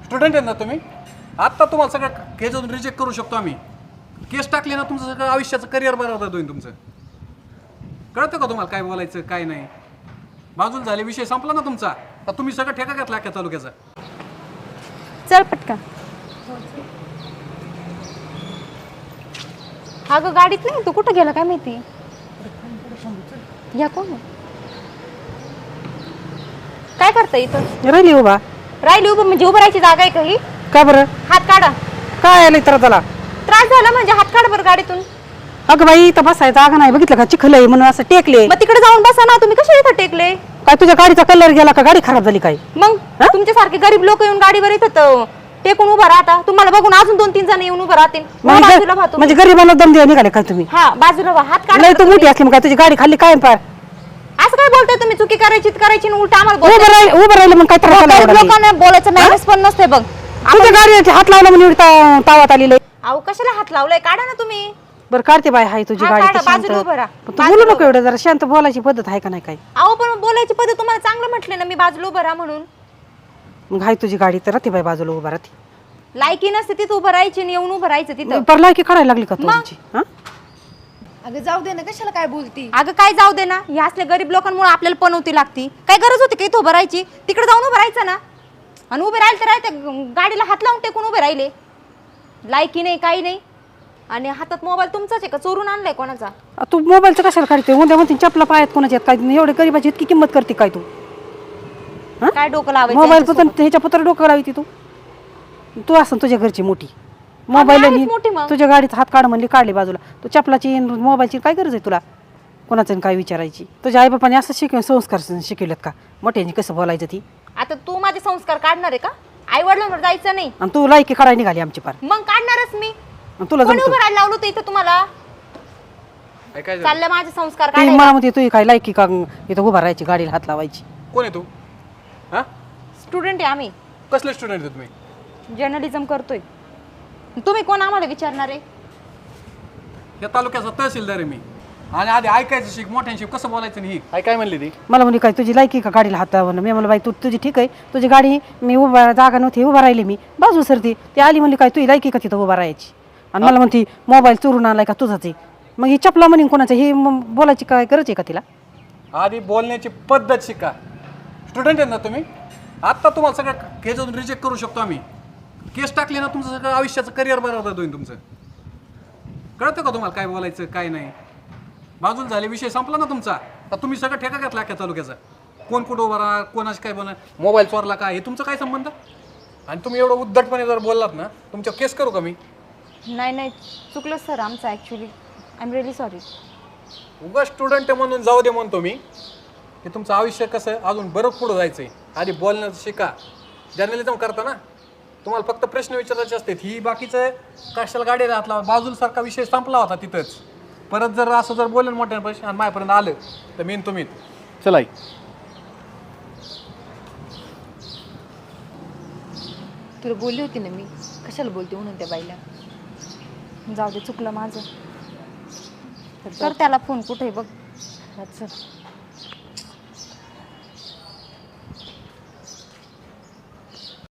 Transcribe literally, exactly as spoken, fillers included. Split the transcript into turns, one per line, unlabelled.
Student आहेत ना तुम्ही? आत्ता तुम्हाला सगळं केस रिजेक्ट करू शकतो आम्ही. केस टाकली ना तुमचं सगळं आयुष्याचं करिअर बरोबर होईल तुमचं. कळतं का तुम्हाला काय बोलायचं काय नाही? बाजूला झाले विषय संपला ना तुमचा. तर तुम्ही सगळं ठेका घेतला अख्ख्या तालुक्याचा.
चल पटकन. हा ग गाडीत नाही, तू कुठं गेला काय माहिती. या कोण काय करता इथं?
राहिली उभा.
राहिली उभं म्हणजे उभं राहायची जागा आहे का ही?
का बरं?
हात काढा.
काय आलं तर त्याला
त्रास झाला म्हणजे हात काढ बरं गाडीतून.
अगं बाई इथं बसायचं जागा नाही, बघितलं का चिखल आहे म्हणून असं टेकले.
मग तिकडे जाऊन बसा ना. तुम्ही कशा इथं टेकले?
काय तुझ्या गाडीचा कलर गेला का? गाडी खराब झाली काय?
मग तुमच्यासारखे गरीब लोक येऊन गाडीवर येतात टेकून उभा राहता. तुम्हाला बघून अजून दोन तीन जण येऊन उभं राहतील. बाजूला व्हा तुम्ही.
म्हणजे गरीबाला दम द्या निघाले काय तुम्ही?
हा बाजूला व्हा. हात काढा.
नाही तू मोठी असली मग काय तुझी गाडी खाल्ली काय पार?
असं काय बोलताय तुम्ही? चुकी करायची करायची उलट आम्हाला
उभं
बोलताय.
राहिलं उभं राहिलं मग काय त्रास झाला एवढा?
लोकांना बोलायचं मॅनेज पण नसते बघ.
तुझ्या गाडीला हात लावला म्हणून एवढी ता- तावात आलेलं.
अहो कशाला हात लावलाय? काढा ना तुम्ही.
बरं काढते बाय हाय तुझी
हा,
गाडी
काढा,
तर शांत.
बाजूला उभं राहा.
पण तू बोलू नको एवढं, जरा शांत बोलायची पद्धत आहे का नाही काय?
अहो पण बोलायची पद्धत तुम्हाला चांगलं म्हटले ना मी बाजूला उभं राहा म्हणून.
मग हाय तुझी गाडी तर राहते बाय बाजूला उभा राहते.
लायकी नसते तिथं उभं राहायची आणि येऊन उभं राहायचं तिथं.
परला की काढायला लागली का तुमची? हा
अगं जाऊ दे ना, कशाला काय बोलती?
अगं काय जाऊ दे ना. ह्या असल्या गरीब लोकांमुळे आपल्याला पनवती लागती. काय गरज होती का इथं उभं राहायची? तिकडे जाऊन उभं राहायचं ना. आणि उभे राहिले तर राहते गाडीला हात लावून टेकून उभे राहिले. लायकी नाही काही नाही. आणि हातात मोबाईल तुमचाच आहे का? चोरून आणलाय कोणाचा?
आ, तू मोबाईलचं कशाला काढते? उद्या म्हणते चपला पायात कोणाच्या आहेत काय? एवढे गरीबाची इतकी किंमत करते काय तू?
काय डोकं लावायचं
मोबाईल
यांच्यासोबत?
पण ह्याच्या पत्र डोकं लावती तू. तू असं तुझ्या घरची मोठी
आहेच
मोबाईल
मोठी मग.
तुझ्या गाडीत हात काढ म्हणली काढली बाजूला. तू चपलाची मोबाईलची काय गरज आहे तुला? कोणाचं काय विचारायची? तुझ्या आईबापाने असं शिकव संस्कार शिकवलेत का? मोठ्यांनी कसं बोलायचं ती?
आता तू माझे संस्कार काढणार आहे का? आई वडिलांवर जायचं नाही.
आणि तू लायकी काढायला निघाली आमची पार.
मग काढणारच मी.
आणि तुला
कोणी
जमतं?
उभं राहायला लावलं होतं इथं तुम्हाला?
काय काय झालं?
चाललं माझे संस्कार
ती
काढायला.
मला म्हणते तू काय लायकी का इथं उभा राहायची गाडीला हात लावायची?
कोण आहे तू? हा?
स्टुडंट आहे आम्ही.
कसले स्टुडंट आहे तुम्ही?
जर्नलिझम करतोय. तुम्ही कोण आम्हाला विचारणार आहे?
या तालुक्याचा तहसीलदार आहे मी. आणि आधी ऐकायचं शिक, मोठ्यांशी कसं बोलायचं नाही. आई काय म्हणली ती?
मला म्हणली काय तुझी लायकी का गाडीला हात लावणं? मी म्हणलं बाई तू तुझी ठीक आहे, तुझी गाडी मी उभा जागा नव्हती उभा राहिली मी बाजू सरती. ती आली म्हणली काय तुझी लायकी का तिथं उभा राहायची? आणि मला म्हणती मोबाईल चोरून आणलाय का तुझाच आहे? मग ही चपला म्हणून कोणाचं हे मग बोलायची काय गरज आहे का तिला?
आधी बोलण्याची पद्धत शिका. स्टुडंट आहेत ना तुम्ही? आत्ता तुम्हाला सगळं केस रिजेक्ट करू शकतो आम्ही. केस टाकली ना तुमचं सगळं आयुष्याचं करिअर बरोबर होईल तुमचं. कळतं का तुम्हाला काय बोलायचं काय नाही? बाजूला झाले विषय संपला ना तुमचा. तर तुम्ही सगळं ठेका घेतला अख्ख्या तालुक्याचा. कोण कुठं उभा राहा, कोणाशी काय बोला, मोबाईल चोरला का, हे तुमचं काय संबंध? आणि तुम्ही एवढं उद्धटपणे जर बोललात ना तुमच्या केस करू का मी?
नाही नाही चुकलं सर आमचं actually. I am really sorry.
उगा स्टुडंट म्हणून जाऊ दे म्हणतो मी की तुमचं आयुष्य कसं अजून बरंच पुढं जायचं आहे. आधी बोलणं शिका. जर्नलिझम करता ना तुम्हाला फक्त प्रश्न विचारायचे असतात. ही बाकीचं कशाला गाडी राहतला बाजूला सारखा विषय संपला होता तिथंच. परत जर असं जर बोलेन मोठ्या पैसे आणि माझ्यापर्यंत आलं तर मेन तुम्ही चला.
तुला बोलली होती ना मी, कशाला बोलते म्हणून त्या बाईला.
जाऊ दे चुकलं माझं. कर त्याला फोन कुठे बघ.
अच्छा